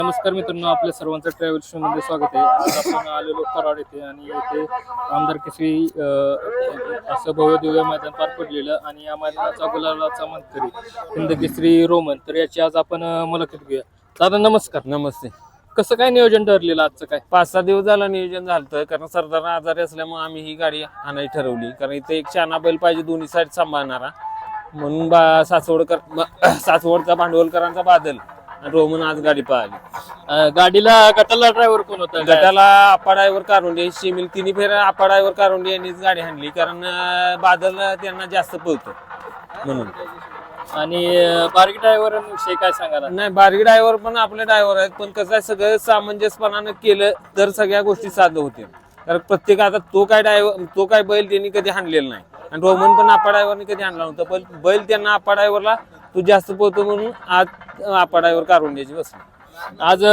नमस्कार मित्रांनो, आपल्या सर्वांचं ट्रॅव्हल शो मध्ये स्वागत आहे. आज आपण आलेलो कराड येथे आणि येथे आमदार केसरी असं भव्य दिव्य मैदान पार पडलेलं आणि या मैदानाचा गुलालाचा मानकरी हिंद केसरी रोमन. तर याची आज आपण मुलाखत घेऊया. दादा नमस्कार. नमस्ते. कसं काय नियोजन ठरलेलं आजचं? काय 5-6 दिवस झालं नियोजन झालं, कारण सरदार आजारी असल्यामुळे आम्ही ही गाडी आणायची ठरवली. कारण इथे एक शाना बैल पाहिजे दोन्ही साईड सांभाळणारा, म्हणून सासवडचा भांडवलकरांचा बादल रोमन आज गाडी पाहिली. गाडीला गटाला ड्रायव्हर कोण होता? गटाला आप्पा ड्रायव्हर कारुंडे, शिमिल तिन्ही फेर आप्पा ड्रायव्हर कारुंडे यांनीच गाडी हाणली, कारण बादल त्यांना जास्त पळतो म्हणून. आणि बारकी ड्रायव्हर विषयी काय सांगायला? नाही, बारकी ड्रायव्हर पण आपले ड्रायव्हर आहेत, पण कसं आहे सगळं सामंजस्यपणानं केलं तर सगळ्या गोष्टी साध्य होतील. कारण प्रत्येक आता तो काय बैल त्यांनी कधी हाणलेला नाही आणि रोमन पण आप्पा ड्रायव्हरने कधी हाणला नव्हता, पण बैल त्यांना आप्पा ड्रायव्हरला तू जास्त पोहतो म्हणून आज आप्पा ड्रायव्हर कारुंड्याची बसली. आज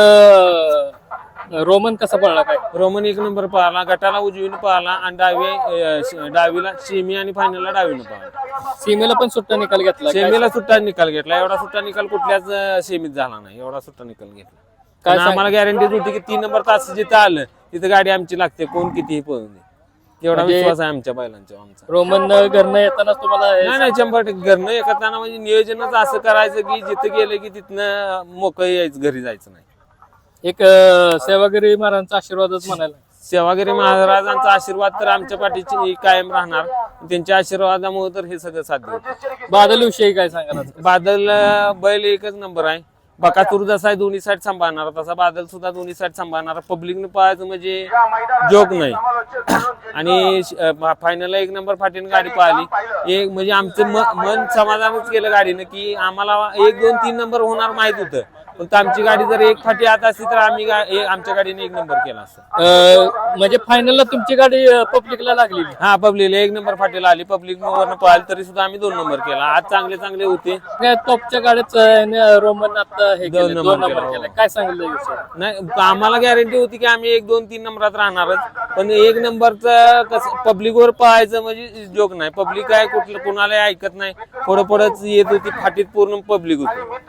रोमन कसा पळला? काय रोमन 1 नंबर पळाला, गटाला उजवीने पळाला आणि डावीला सेमी आणि फायनलला डावीने पळाला. सीमेला पण सुट्टा निकाल घेतला. सेमीला सुट्टा निकाल घेतला, एवढा सुट्टा निकाल कुठल्याच सेमीत झाला नाही, एवढा सुट्टा निकाल घेतला. काय आम्हाला गॅरंटी होती की 3 नंबर तास जिथं आलं तिथं गाडी आमची लागते, कोण कितीही पळून दे, एवढा विश्वास आहे आमच्या बैलांचा. आमचा रोमन घरनं येतानाच तुम्हाला नाही 100% घरनं एकताना म्हणजे नियोजनच असं करायचं की जिथं गेलं की तिथनं मोकळं यायचं, घरी जायचं नाही. एक सेवागिरी महाराजांचा आशीर्वादच म्हणायला. सेवागिरी महाराजांचा आशीर्वाद तर आमच्या पाठीची कायम राहणार, त्यांच्या आशीर्वादामुळे तर हे सगळं साध्य होतं. बादल विषयी काय सांगा? बादल बैल एकच नंबर आहे. बकासूर जसा आहे दोन्ही साईड सांभाळणारा, तसा बादल सुद्धा दोन्ही साईड सांभाळणारा. पब्लिकने पळायचं म्हणजे जोक नाही. आणि फायनलला 1 नंबर फाटीने गाडी पळाली. एक म्हणजे आमचं मन समाधानच केलं गाडीनं की आम्हाला 1, 2, 3 नंबर होणार माहित होतं, पण आमची गाडी जर एक फाटी आत असती तर आम्ही आमच्या गाडीने 1 नंबर केला असता. म्हणजे फायनलला तुमची गाडी पब्लिकला लागली? हा, पब्लिकला 1 नंबर फाटीला आली, पब्लिक वरनं पळाली तरी सुद्धा आम्ही 2 नंबर केला. आज चांगले होते. टॉपच्या गाड्याच रोमन आता हे 2 नंबर केला. काय सांगितलं विषय? नाही, आम्हाला गॅरंटी होती की आम्ही 1, 2, 3 नंबरात राहणारच, पण 1 नंबरचं कसं पब्लिकवर पळायचं म्हणजे जोक नाही. पब्लिक काय कुठलं कुणाला ऐकत नाही, पुढंच येत होती, फाटीत पूर्ण पब्लिक होती.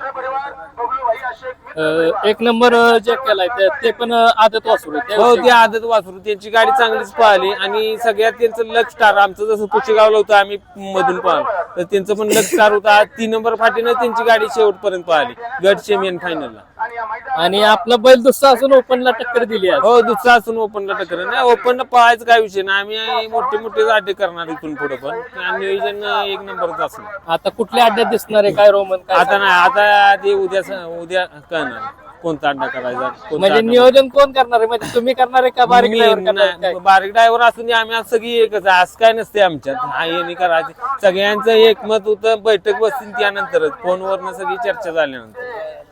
1 नंबर जे केलाय ते पण आदत वासरू? हो, ते आदत वासरू, त्यांची गाडी चांगलीच पळाली आणि सगळ्यात त्यांचं लक स्टार. आमचं जसं पुशेगावला होतं आम्ही मधून पळालो, तर त्यांचं पण लक स्टार होता. 3 नंबर फाटीनं त्यांची गाडी शेवटपर्यंत पळाली, गट सेमी आणि फायनलला. आणि आपला बैल दुसरा असून ओपनला टक्कर दिली. हो, दुसरा असून ओपनला टक्कर नाही. ओपनला पळायचं काय विषय नाही, आम्ही मोठे अड्डे करणार इथून पुढे, पण नियोजन 1 नंबरच असणार. आता कुठल्या अड्ड्यात दिसणार आहे काय रोमन? आता नाही, आता ते उद्या कळणार कोणता अड्डा करायचा. म्हणजे नियोजन कोण करणार आहे? म्हणजे तुम्ही करणार आहे का बारीक ड्रायव्हर? बारीक ड्रायव्हर असून आम्ही आज सगळी एकच आहे, असं काय नसते आमच्यात. हा, हे नाही करायचं, सगळ्यांचं एकमत होतं. बैठक बसतील त्यानंतरच, फोनवरनं सगळी चर्चा झाल्यानंतर.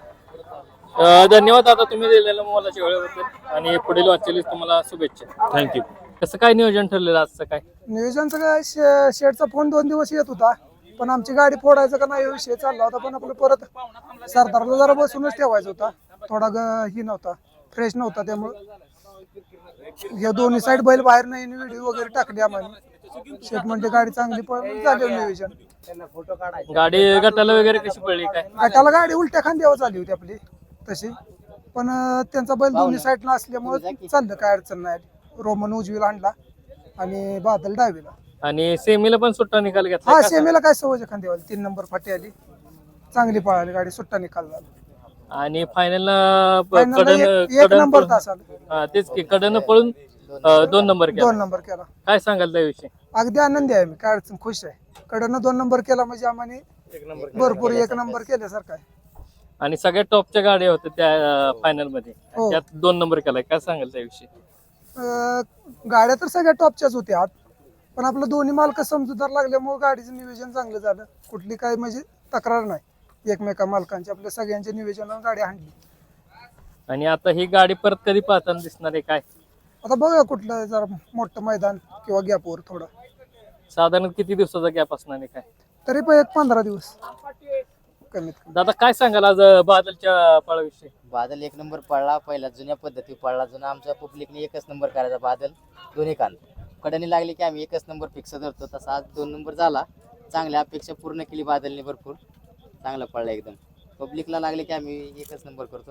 धन्यवाद आता तुम्ही दिलेल्या मोलाच्या वेळेबद्दल आणि पुढील वाटचालीस तुम्हाला शुभेच्छा. थँक्यू. कसं काय नियोजन ठरलेलं आजचं? काय नियोजनचं काय, शेडचा फोन 2 दिवस येत होता, पण आमची गाडी फोडायचं का नाही विषय चालला होता, पण आपलं परत सरदारला जरा बसूनच ठेवायचा होता. थोडा ही नव्हता, फ्रेश नव्हता, त्यामुळे या दोन्ही साईड बैल बाहेर नाही, व्हिडिओ वगैरे टाकले आम्हाला. शेट म्हणजे गाडी चांगली झाली नियोजन. गाडी गटाला वगैरे कशी पडली? काय गटाला गाडी उलट्या खांद्यावर झाली होती आपली तशी, पण त्यांचा बैल दोन्ही साईडला असल्यामुळे चाललं, काय अडचण नाही. रोमन उजवीला आणला आणि बादल डावीला. आणि सेमीला पण सुट्टा निकाल घेतला? हा, सेमीला काय सवय खांद्यावर 3 नंबर फाटी आली, चांगली पळाली गाडी, सुट्टा निकाल झाला. आणि फायनलला 1 नंबर तास आला. तेच की कडनं पळून 2 नंबर केला. 2 नंबर केला. काय सांगाल त्याविषयी? अगदी आनंदी आहे मी, काय अडचण, खुश आहे. कडनं 2 नंबर केला म्हणजे आम्हाला भरपूर 1 नंबर केल्यासारखं आहे. आणि सगळ्यात टॉपच्या गाड्या होत्या त्या फायनल मध्ये, हो. त्यात 2 नंबर केलाय. काय सांगाल त्याविषयी? गाड्या तर सगळ्या टॉपच्याच होत्या आत, पण आपलं दोन्ही मालक समजूतदार लागल्यामुळे गाडीचं नियोजन चांगलं झालं. कुठली काय म्हणजे तक्रार नाही एकमेका मालकांची, आपल्या सगळ्यांच्या नियोजनावर गाडी आणली. आणि आता ही गाडी परत कधी पाहताना दिसणार आहे? काय आता बघा कुठलं जरा मोठं मैदान किंवा गॅपवर थोडं. साधारण किती दिवसाचा गॅप असणार आहे? काय तरी पण 15 दिवस कमीत कमी. दादा काय सांगाल आज बादलच्या पळाविषयी? बादल 1 नंबर पळला, पहिला जुन्या पद्धती पळला. जुना आमच्या पब्लिकने 1च नंबर करायचा. बादल दोन्ही कान कडनी लागली की आम्ही 1च नंबर फिक्स धरतो, तसा आज 2 नंबर झाला. चांगल्या अपेक्षा पूर्ण केली बादलने, भरपूर चांगला पळला एकदम. पब्लिकला लागले की आम्ही 1च नंबर करतो.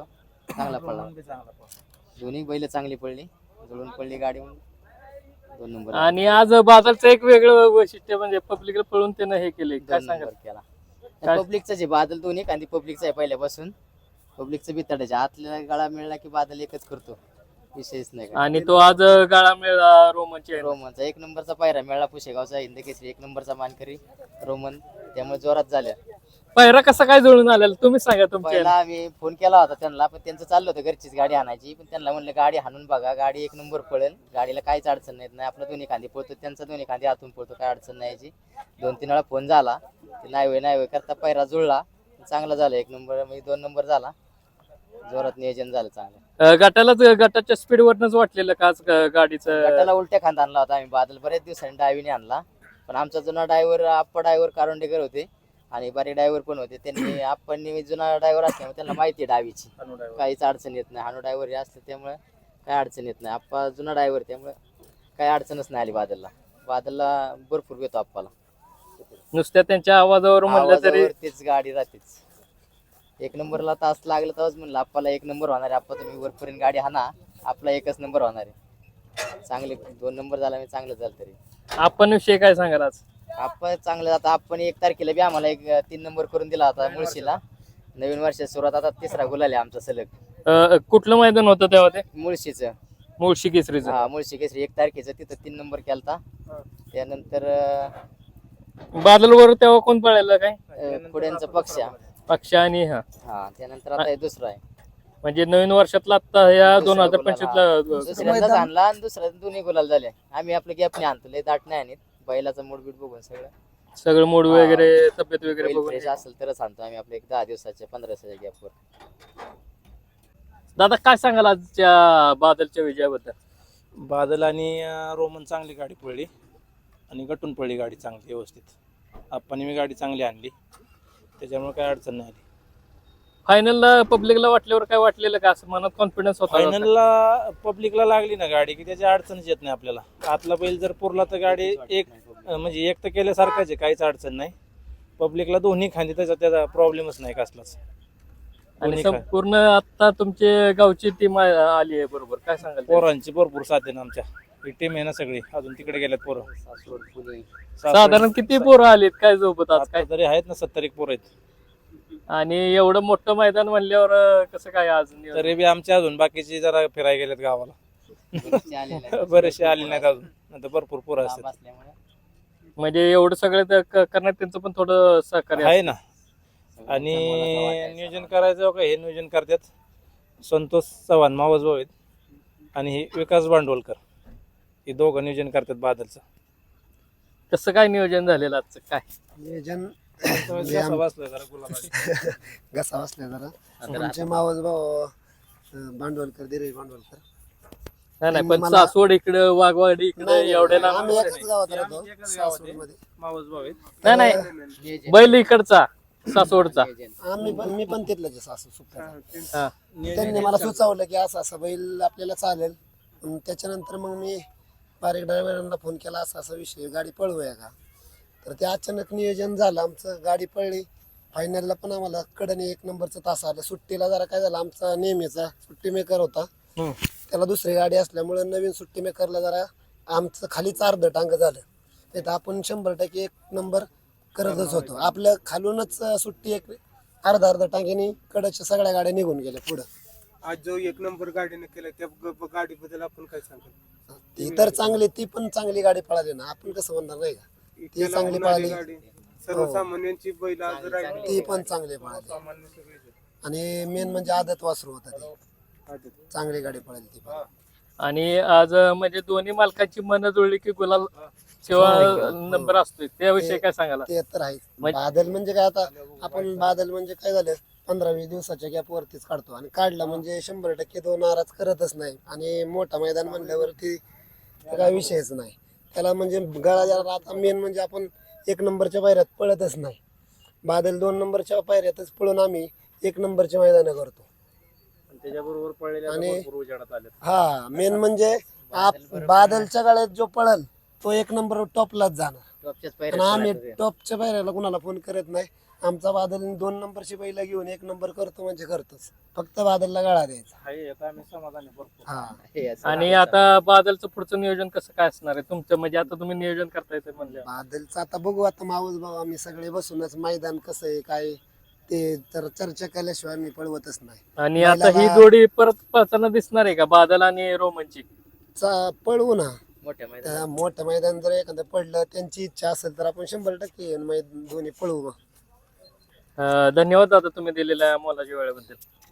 चांगला पडला दोन्ही बैल चांगली पडली जुळून पडली गाडी म्हणून 2 नंबर आणि आज बादलचं एक वेगळं वैशिष्ट्य म्हणजे पब्लिकला पळून त्यानं हे केले काय 2 सांगा नंबर केला पब्लिकचं जे बादल दोन्ही आणि पब्लिकचं आहे पहिल्यापासून पब्लिकचं बिताडायचे आतल्या गाळा मिळला की बादल एकच करतो विषयच नाही काय. आणि तो आज गाळा मिळाला रोमनची रोमनचा 1 नंबरचा पायरा मिळाला पुशेगावचा हिंद केसरी 1 नंबरचा मानकरी रोमन त्यामुळे जोरात झाल्या पहिरा कसा काय जुळून आलेला तुम्ही सांगा तुमच्या पहिला आम्ही फोन केला होता त्यांना पण त्यांचं चाललं होतं घरचीच गाडी आणायची पण त्यांना म्हणलं गाडी हाणून बघा गाडी 1 नंबर पळेल गाडीला काहीच अडचण नाही आपला दोन्ही खांदी पळतो त्यांचा दोन्ही खांदी हातून पळतो काय अडचण नाही याची 2-3 वेळा फोन झाला ते नाही होय करता पायरा जुळला चांगला झाला 1 नंबर म्हणजे 2 नंबर झाला जोरात नियोजन झालं चांगलं गटाच्या स्पीड वरनच वाटलेलं का आज गाडीचं गटाला उलट्या खांदा आणला होता आम्ही बादल बऱ्याच दिवसांनी डावीने आणला पण आमचा जुना ड्रायव्हर आप्पा ड्रायव्हर कारोंडेकर होते आणि बारीक ड्रायव्हर पण होते त्यांनी आपण जुना ड्रायव्हर असल्यामुळे त्यांना माहिती आहे डावीची काहीच अडचण येत नाही हानू ड्रायव्हर हे असतं त्यामुळे काय अडचण येत नाही आप्पा जुना ड्रायव्हर त्यामुळे काही अडचणच नाही आली बादलला भरपूर येतो आप्पाला नुसत्या त्यांच्या आवाजावर म्हणलं तरी आवाजावरतीच गाडी राहतेच 1 नंबरला तास लागला तेव्हाच म्हणलं आप्पाला 1 नंबर होणार आहे आप्पा तुम्ही वरपर्यंत गाडी हाना आपला 1च नंबर होणार आहे चांगले 2 नंबर झाला मी चांगलं झालं तरी आपण विषय काय सांगाल आज आपण चांगलं आता आपण 1 तारखेला बी आम्हाला 3 नंबर करून दिला होता मुळशीला नवीन वर्षाची सुरुवात आता 3रा गुलाल आहे आमचा सलग कुठलं मैदान होतं तेव्हा ते मुळशीचं मुळशी केसरीचं हा मुळशी केसरी 1 तारखेचं तिथं 3 नंबर केलता त्यानंतर बादलवर तेव्हा कोण पळायला काय पुढ्यांचा पक्ष आणि हा त्यानंतर आता हे दुसरा आहे म्हणजे नवीन वर्षातला आता या 2025 दुसऱ्यांदाच आणला आणि दुसऱ्या दोन्ही गुलाल झाले आम्ही आपलं गॅप नाही आणतो लय दाट नाही आणत बैलाचं मूडबीट बघून सगळं मूड वगैरे तब्येत वगैरे बघून फ्रेश असेल तरच आणतो आम्ही आपले 10 दिवसाच्या 15 दिवसाच्या गॅपवर दादा काय सांगाल आजच्या बादलच्या विजयाबद्दल बादल आणि रोमन चांगली गाडी पळली आणि गटून पळली गाडी चांगली व्यवस्थित आपण मी गाडी चांगली आणली त्याच्यामुळे काय अडचण नाही आली फायनलला पब्लिकला वाटल्यावर काय वाटलेलं का असं मनात कॉन्फिडन्स होता फायनलला पब्लिकला लागली ना गाडी की त्याची अडचणच येत नाही आपल्याला आतला बैल जर पुरला तर गाडी म्हणजे एक तर केल्यासारखाच आहे काहीच अडचण नाही पब्लिकला दोन्ही खांदी त्याचा प्रॉब्लेमच नाही कसलाच आणि संपूर्ण आता तुमचे गावची टीम आली आहे बरोबर काय सांगाल पोरांची भरपूर साथ आहे ना आमच्या ही टीम आहे ना सगळी अजून तिकडे गेल्यात पोरं साधारण किती पोरं आलीत काय सोबत आज काय तरी आहेत ना 70 पोरं आहेत आणि एवढं मोठं मैदान म्हणल्यावर कसं काय आज नियोजन? तरी बी आमच्या अजून बाकीची जरा फिरायला गेलेत गावाला बरेचसे आले नाहीत अजून नंतर भरपूर पोरं असतात म्हणजे एवढं सगळं करण्यात त्यांचं पण थोडं सहकार्य आहे ना आणि नियोजन करायचं का हे नियोजन करतात संतोष चव्हाण मावस भाऊ आहेत आणि हे विकास भांडवलकर हे दोघं नियोजन करतात बादलचं कसं काय नियोजन झालेलं आजचं काय नियोजन घसा बसलाय जरा गुलाबाची. घसा बसल्या जरा आमचे मावस भाऊ भांडवलकर धीरज भांडवलकर नाही पण सासवड इकडं वाघवाडी इकडे एवढे लांब आम्ही एकाच गावात राहतो सासवडमध्ये. मावस भाऊ आहेत नाही बैल इकडचा सासवडचा मी पण तिथलंच आहे सासू सुप्त्याचा. हा. त्यांनी मला सुचवलं की असं असं बैल आपल्याला चालेल त्याच्यानंतर मग मी बारीक ड्रायव्हरांना फोन केला असा असा विषय गाडी पळवूया का तर ते अचानक नियोजन झालं आमचं गाडी पळली फायनलला पण आम्हाला कडने 1 नंबरचा तास आला सुट्टीला जरा काय झालं आमचा नेहमीचा सुट्टी मेकर होता त्याला दुसरी गाडी असल्यामुळे नवीन सुट्टी मेकरला जरा आमचं खालीच अर्ध टांग झालं तिथं आपण 100% 1 नंबर करतच होतो आपलं खालूनच सुट्टी एक अर्धा टांग्याने कडच्या सगळ्या गाड्या निघून गेल्या पुढं आज जो 1 नंबर गाडीने केला त्या गाडीबद्दल आपण काय सांगाल ती तर चांगली ती पण चांगली गाडी पळाली ना आपण कसं म्हणणार नाही का ती चांगली पळाली सर्वसामान्यांची बैल आज राहिली ती पण चांगली पळाली आणि मेन म्हणजे आदत वासरू होता ती चांगली गाडी पळाली ती पण. आणि आज म्हणजे दोन्ही मालकांची मन जुळली की गुलाल सेवा नंबर असतोय त्याविषयी काय सांगाल ते तर आहे बादल म्हणजे काय आता आपण बादल म्हणजे काय झालं 15-20 दिवसाच्या गॅप वरतीच काढतो आणि काढला म्हणजे 100% तो नाराज करतच नाही आणि मोठा मैदान म्हणल्यावरती काय विषयच नाही त्याला म्हणजे गळा जरा आता मेन म्हणजे आपण 1 नंबरच्या पायऱ्यात पळतच नाही बादल 2 नंबरच्या पायऱ्यातच पळून आम्ही 1 नंबरच्या मैदान करतो त्याच्याबरोबर पळलेल्या आणि भरपूर उजेडात आले हा मेन म्हणजे बादलच्या गाड्यात जो पळल तो 1 नंबर टॉपलाच जाणार टॉपच्याच आणि आम्ही टॉपच्या पायऱ्याला कुणाला फोन करत नाही आमचा बादल 2 नंबरची बैला घेऊन 1 नंबर करतो म्हणजे करतोच. फक्त बादलला गळा द्यायचा. हा. हे असं आणि आता बादलचं पुढचं नियोजन कसं काय असणार आहे तुमचं, म्हणजे आता तुम्ही नियोजन करताय ते म्हणलं. बादलचं आता बघू, आता माऊस भाऊ आम्ही सगळे बसूनच मैदान कसं आहे काय ते तर चर्चा केल्याशिवाय आम्ही पळवतच नाही. आणि आता ही जोडी परत पळताना दिसणार आहे का, बादल आणि रोमनची? पळवू ना. मोठ्या मैदानात त्या मोठं मैदान जर एखादं पडलं त्यांची इच्छा असेल तर आपण 100% दोन्ही पळवू. धन्यवाद दादा तुम्ही दिलेल्या मोलाच्या वेळेबद्दल.